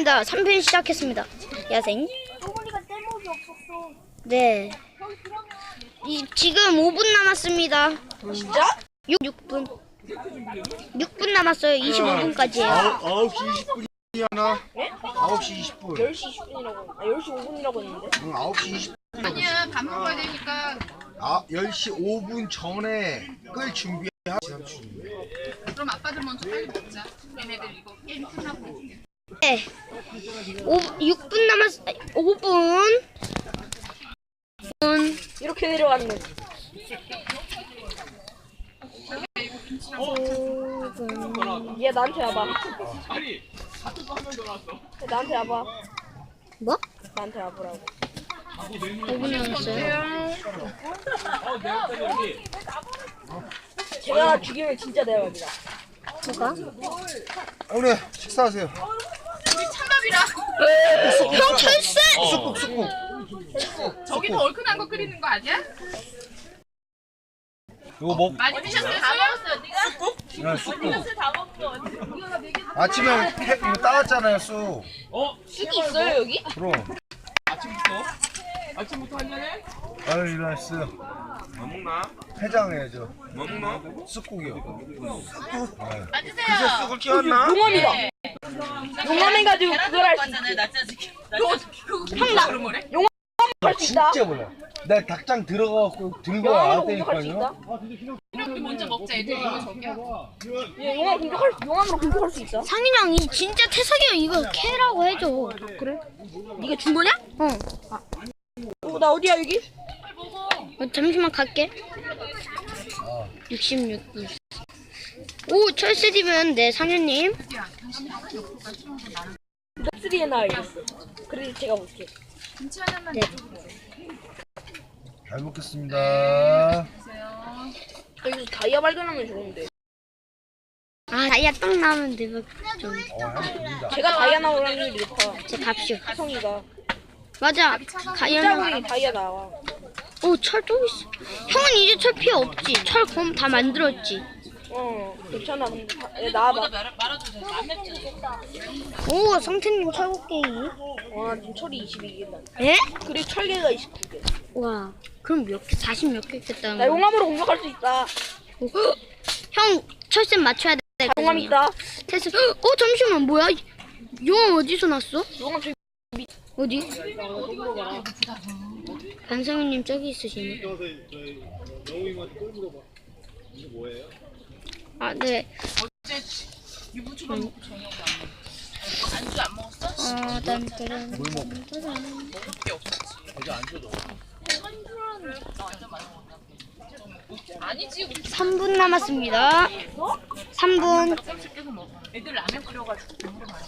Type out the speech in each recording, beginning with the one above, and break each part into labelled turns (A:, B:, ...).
A: 시작했습니다. 3편 시작했습니다. 야생. 네. 지금 5분 남았습니다.
B: 진짜?
A: 6분. 6분 남았어요. 25분까지예요.
C: 9시 20분이 하나? 9시 20분.
B: 10시 20분이라고. 10시 5분이라고 했는데.
C: 응, 9시 20분.
D: 아니야, 밥 먹어야 되니까.
C: 10시 5분 전에 끌 준비하.
D: 그럼 아빠들 먼저 빨리 먹자. 얘네들 이거 게임 끝나고.
A: 네. 6분 남았. 5분.
B: 이렇게 내려가는 거지. 얘 나한테 와봐. 얘 나한테 와봐.
A: 뭐?
B: 나한테 와보라고.
A: 5분 남았어요.
B: 제가 죽이면 진짜 대박이다.
A: 뭐가?
C: 오늘 식사하세요.
D: 우리 찬밥이라.
A: 형 철새!
C: 쑥국.
D: 저기도 얼큰한 거 끓이는 거 아니야?
C: 이거 먹.
D: 많이 드셨어요? 다 먹었어요. 네가?
C: 쑥국.
D: 다 먹었어.
C: 아침에 이거 따왔잖아요, 쑥.
B: 쑥이 있어요 여기?
C: 그럼.
E: 아침부터 한잔해?
C: 아유, 일어났어요.
E: 뭐 먹나?
C: 해장해야죠.
E: 뭐 먹나?
C: 쑥국이요.
D: 앉으세요.
E: 쑥을 키웠나?
B: 용암이다. 용암해가지고 그걸 할 수 있어.
D: 형나 그런 거래?
B: 할 수 있다.
C: 진짜 몰라. 나 닭장 들어가갖고 들고
B: 용암으로 공격할 수 있다.
C: 왔다니까요.
D: 우리 먼저 먹자. 애들 이거 저기야.
B: 얘 용암으로 공격할 수 있어.
A: 상인 형이 진짜 태석이 형 이거 캐라고 해줘.
B: 그래? 네가 준 거냐?
A: 응.
B: 나 어디야 여기?
A: 잠시만 갈게. 66분. 오, 철새디면 네, 상현님.
B: 넥스리에 나 알겠어. 그래서 제가 볼게.
D: 김치 하나만
A: 네.
C: 잘 먹겠습니다.
D: 주세요.
B: 여기서 다이아 발견하면 좋은데.
A: 아, 다이아 딱 나오면 대박 좀.
C: 향 들린다.
B: 제가 다이아 나올 확률이 높아.
A: 제 밥쇼.
B: 성이가.
A: 맞아. 다이아.
B: 짱구리 다이아 나와.
A: 오, 철 또 있어. 형은 이제 철 필요 없지. 철 검 다 만들었지.
B: 괜찮아. 근데 얘 나와봐.
D: 말아주세요. 안 맵지?
A: 오, 성태님 철곡게이.
B: 와 지금 철이 22개다.
A: 예?
B: 그리고 철개가 29개.
A: 와, 그럼 몇 개? 40 몇 개 있겠다는
B: 나
A: 거.
B: 용암으로 공격할 수 있다.
A: 형, 철새 맞춰야 돼.
B: 용암 있다.
A: 테스. 잠시만, 뭐야? 용암 어디서 났어?
B: 용암 저기
A: 어디? 반성우님 저기 있으시네. 아, 네.
D: 어제 유부초밥 먹고 저녁 안주 안 먹었어?
A: 딴따란.
C: 뭘 먹어?
D: 먹을 게 없었지.
C: 이제 안 줘도.
D: 나 완전 많이 먹었다. 아니지. 우리
A: 3분 남았습니다. 3분.
D: 깜짝씩 계속 먹어. 애들 라면 끓여가지고 국물 많이.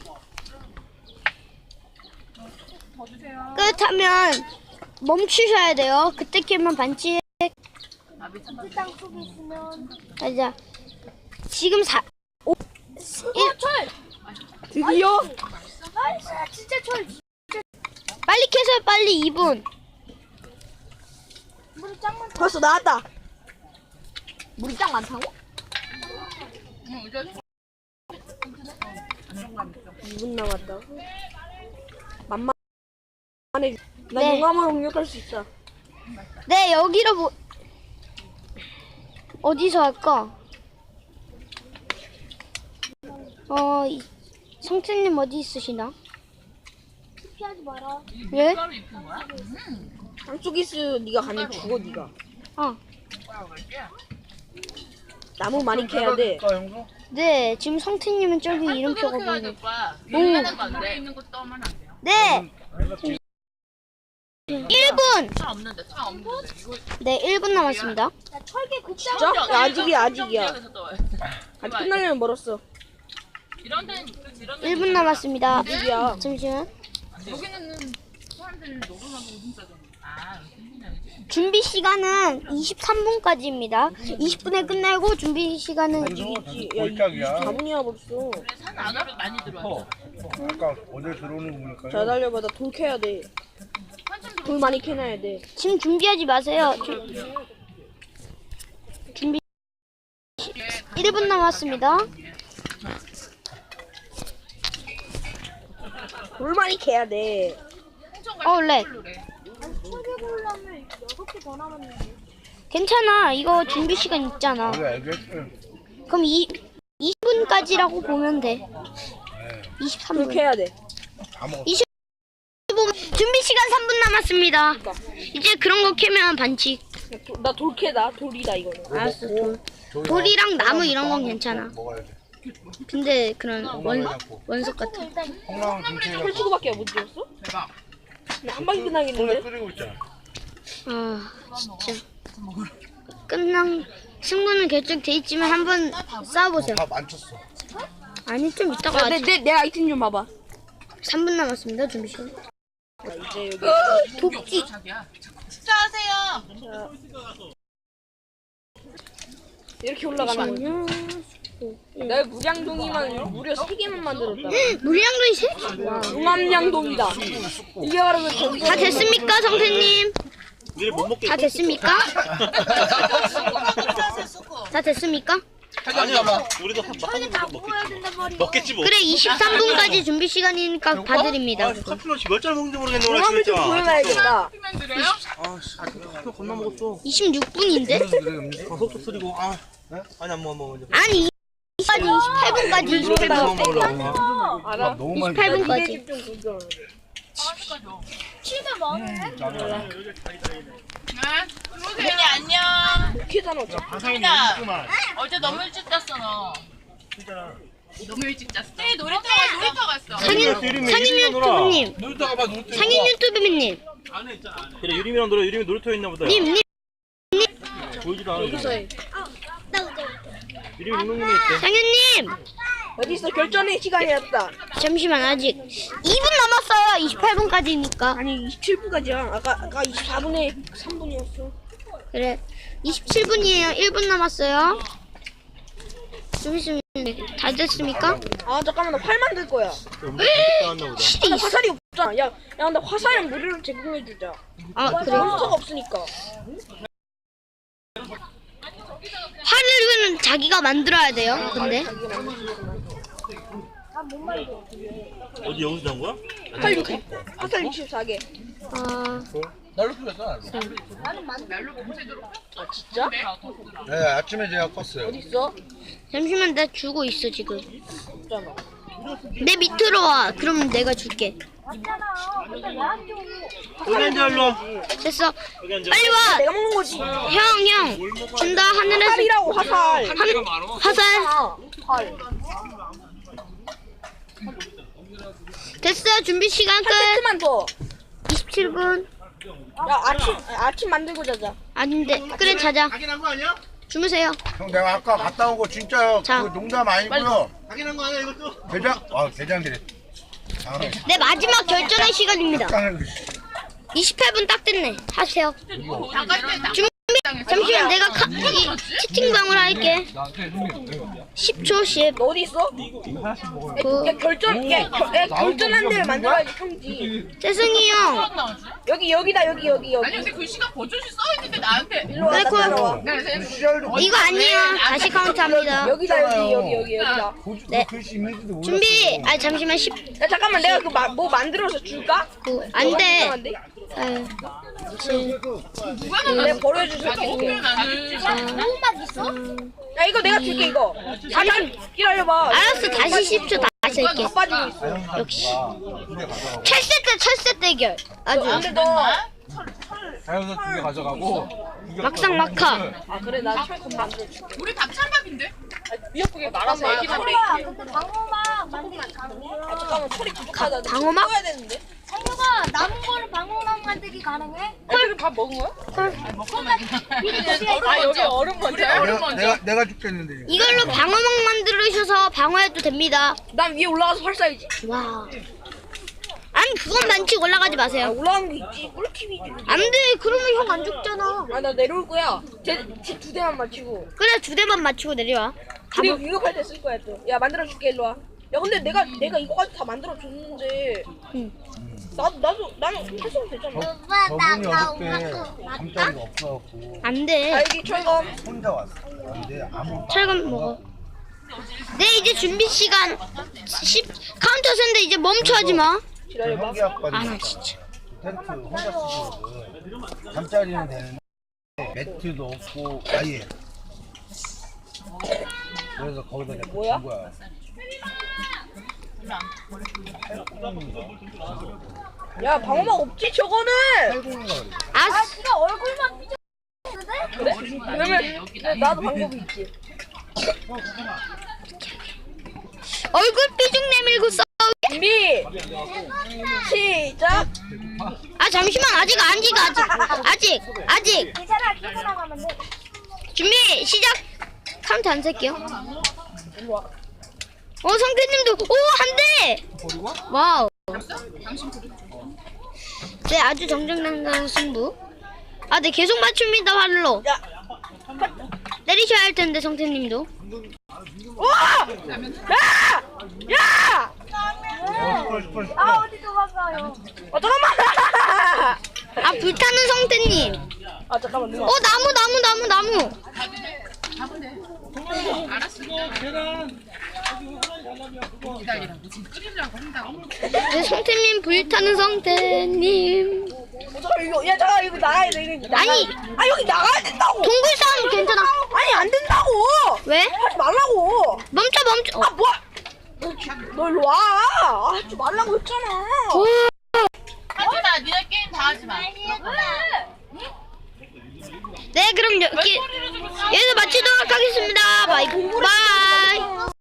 D: 더 주세요.
A: 끝하면 멈추셔야 돼요. 그때 키면 반칙.
D: 아, 밑에
A: 땅 속에 있으면. 맞아. 지금 1.
B: 드디어
A: 진짜 철. 빨리 캐서요, 빨리 2분.
B: 벌써 나왔다. 물이 짱 많다고?
D: 응, 이제
B: 2분 남았다. 만만해. 나
A: 네.
B: 용암으로 공격할 수 있다.
A: 네, 여기로 어디서 할까? 성태님 어디 있으시나? 피하지 마라. 왜?
D: 가루 입힌 거야?
B: 한쪽이스 네가 가면 죽어 네가.
D: 뭐라고 그럴게?
B: 나무 많이 캐야 돼.
A: 네, 지금 성태님은 저기 이름표가 보이네.
D: 오빠. 요만한 거 안 돼. 있는 거 떠면 안 돼요.
A: 네! 1분!
D: 차 없는데, 차 없는데. 이거
A: 네, 1분 남았습니다.
B: 진짜? 야, 아직이야. 아직
D: 아직
B: 끝나려면 멀었어.
D: 이런 데는
A: 1분 남았습니다.
B: 아직이야.
A: 잠시만.
D: 여기는 사람들 녹음하고 오줌 싸잖아. 아, 여기
A: 준비 시간은 23분까지입니다. 20분에 끝나고 준비 시간은
C: 골짝이야.
B: 4분이야 벌써.
D: 그래, 산 안으로 많이 들어와.
C: 아까 어제 들어오는 거 보니까.
B: 잘 달려봐. 나 돌 캐야 돼. 돌 많이 캐놔야 돼.
A: 지금 준비하지 마세요. 준비 1분 남았습니다.
B: 돌 많이 캐야 돼.
A: 렉. 괜찮아. 이거 준비 시간 있잖아. 그럼 20분까지라고 보면 돼.
B: 돌
A: 23분.
B: 캐야 돼.
A: 25분. 준비 시간 3분 남았습니다. 이제 그런 거 캐면 반칙.
B: 나 돌 캐다. 돌이다 이거는.
A: 알았어. 돌이랑 나무 이런 건 괜찮아.
C: 먹어야 돼.
A: 근데 그런 원석 같은.
C: 콩나물 김치
B: 철수구밖에 못 지었어?
D: 대박.
B: 한 방에 끝나겠는데?
C: 끓이고 있잖아.
A: 아 진짜. 승부는 결정돼 있지만 한번 싸워보세요.
C: 다 만쳤어.
A: 아니 좀 이따가
B: 야, 내 아이템 좀 봐봐.
A: 3분 남았습니다. 준비 시간.
B: 이제 여기
D: 도끼. 자기야. 식사하세요.
B: 이렇게 올라가는 거지.
A: 잠시만요.
B: 내가 무량동이만 무려 3개만 만들었다.
A: 물량도 있어?
B: 중암량동이다. 이게 바로 그 전설.
A: 다 됐습니까, 성태님?
E: 우리 못 먹겠어.
A: 다 됐습니까? 다 됐습니까?
E: 아니야, 우리도 한 먹겠지 뭐.
A: 그래 23분까지 준비 시간이니까 봐드립니다.
E: 커피 맛이 몇 잔 먹는지 모르겠네 오늘
B: 중암을 좀
E: 진짜.
B: 보여놔야겠다.
D: 피면 드려요?
E: 아씨, 커피 겁나 먹었어.
A: 26분인데?
E: 아, 속도 쓰리고. 아, 아니 안 먹어 먼저.
A: 아니 28분까지
E: 이렇게 먹어 먹으려고.
B: 알아?
C: 너무 많이
A: 28분까지.
B: 좀 조절.
D: 네. 들어오세요. 안녕.
B: 캐잖아 어차피.
D: 어제 너무 일찍 잤어 너. 너무 일찍 잤어. 네 놀이터 갔어.
A: 상인 유튜브님,
E: 놀다가 봐 놀.
A: 상인 유튜브님,
E: 그래 유림이랑 놀아. 유림이 놀이터에 있나 보다.
A: 님,
E: 보이지도 않아.
B: 여기서 해.
E: 유림이 운동님이 있대.
A: 상인님,
B: 어딨어? 결전의 시간이었다.
A: 잠시만 아직 2분 남았어요. 28분까지니까.
B: 아니 27분까지야. 아까 24분에 3분이었어.
A: 그래 27분이에요. 1분 남았어요. 준비 시간 다 됐습니까?
B: 아 잠깐만 나 활 만들 거야.
E: 나왔나 보다.
A: 실이
B: 나
A: 있어.
B: 화살이 없잖아. 야 근데 화살이랑 무료로 제공해주자.
A: 아 그래.
B: 몬스터가 없으니까.
A: 활은 자기가 만들어야 돼요. 근데
E: 어디 여기서 나온 거야?
B: 화살 64개.
A: 아
C: 날로 풀렸어.
D: 날로 밤새도록.
B: 아 진짜?
C: 네, 아침에 제가 껐어요.
B: 어딨어?
A: 잠시만 나 주고 있어 지금.
B: 없잖아.
A: 내 밑으로 와. 그럼 내가 줄게.
E: 여기 앉아 일로 와.
A: 됐어.
E: 여기 앉아.
A: 빨리 와.
B: 내가 먹는 거지.
A: 형 준다. 하늘에서
B: 화살이라고 화살.
A: 화살.
B: 아, 활.
A: 됐어. 준비 시간 끝.
B: 세트만 더.
A: 27분.
B: 야 아침 만들고 자자.
A: 아닌데. 그래 자자.
C: 확인한 거 아니야?
A: 주무세요.
C: 형 내가 아까 갔다 온 거 진짜
A: 자.
C: 그 농담 아니고요.
E: 확인한 거 아니야 이것도?
C: 대장들이. 아,
A: 내 마지막 결전의 시간입니다.
C: 땅을
A: 28분 딱 됐네. 하세요.
D: 나갈 때
A: 준비. 잠시만 내가 이 채팅방을 할게. 10초 10.
B: 너 어디 있어?
A: 9.
B: 야 결전한 데를 만들어야지 평지.
A: 재승이 형.
D: 나오지?
B: 여기다 여기.
D: 아니 근데 글씨가 버젓이 써있는데 나한테.
B: 일로 와.
A: 아이고.
B: 따라와.
A: 이거 아니야. 다시 카운트합니다.
B: 여기다 여기다.
A: 네.
C: 글씨 있는지도 몰랐어.
A: 준비. 아 잠시만 10.
B: 야 잠깐만 내가 그 뭐 만들어서 줄까?
A: 9. 안 돼.
B: 이상한데?
A: 8. 7.
D: 누가
B: 내가 버려줄 수 있게.
D: 나는.
B: 야 이거 내가 줄게 이거. 잠깐 기다려봐.
A: 알았어. 다시 10초 다시 할게.
B: 다 빠지고 있어.
A: 역시. 철새 대결. 아주
B: 근데 너.
C: 자연서 2개 가져가고.
A: 막상 막하.
B: 아 그래 나 철권 만들어줄게.
D: 우리 밥찬밥인데?
B: 미역국에 말아서 애기 머리.
F: 방어막 만들기 가능해?
B: 아 잠깐만 철이 부족하다.
A: 방어막?
B: 해야 되는데.
F: 상유가 남은 거를 방어막 만들기 가능해?
B: 헐 밥 먹은 거야?
D: 아
B: 여기 얼음 먼저.
C: 내가 죽겠는데.
A: 이걸로 방어막 만들으셔서 방어해도 됩니다.
B: 난 위에 올라가서 활 쏴야지.
A: 와. 아니 그건 반칙 올라가지
B: 아
A: 마세요.
B: 올라가는 게 있지. 꿀팁이지.
A: 안 돼. 그러면 형 안 죽잖아.
B: 아 나 내려올 거야. 쟤두 대만 맞추고.
A: 그래 2대만 맞추고 내려와.
B: 그리고 위급할 때 쓸 거야 또. 야 만들어줄게 일로 와. 야 근데 내가 이거까지 다 만들어줬는데.
A: 응.
B: 나는 해서도 되잖아.
C: 저분이 어저께 잠자리가 없어갖고
A: 안 돼.
B: 알기 철검.
C: 혼자 왔어. 근데 아무
A: 철건 먹어. 네 이제 준비 시간 10 카운터 센데 이제 멈춰 하지 마.
B: 기다려봐.
C: 형기 아빠
A: 아, 나 진짜.
C: 텐트 혼자 쓰시거든. 잠자리는 되는데 매트도 없고 아예. 그래서 거기다 내가
B: 뭐야?
C: 준 거야.
B: 야 방어막 없지 저거는.
C: 80인가 그래.
A: 아,
F: 네가 얼굴만 삐져.
B: 그래? 그러면 나도 방법이 있지.
A: 얼굴 삐죽 내밀고 써.
B: 준비 시작.
A: 아, 잠시만. 아직.
F: 괜찮아, 기사 나가면 돼.
A: 준비, 시작. 카운트 안 셀게요.
B: 일로 와.
A: 성태님도, 한 대! 와우. 네, 아주 정정당당한 승부. 아, 네, 계속 맞춥니다, 활로.
B: 야.
A: 때리셔야 할 텐데, 성태님도.
B: 와! 야! 야!
F: 아, 어디 도망가요?
B: 잠깐만.
A: 아, 불타는 성태님.
B: 아 잠깐만 누나.
A: 나무.
D: 알았어. 기다리라고. 지금 끓이려고 한다고.
A: 네, 성태님, 불타는 성태님.
B: 잠깐 이거 야 잠깐 이거 나가야 돼 이거 나가.
A: 아니.
B: 아 여기 나가야 된다고.
A: 동굴 싸움 괜찮아.
B: 아니 안 된다고.
A: 왜?
B: 하지 말라고.
A: 멈춰.
B: 아 뭐야? 너 일로 와. 하지 말라고 했잖아.
D: 하지 마. 니네 게임 다 하지 마.
A: 네, 그럼 여기서 마치도록 하겠습니다. 바이.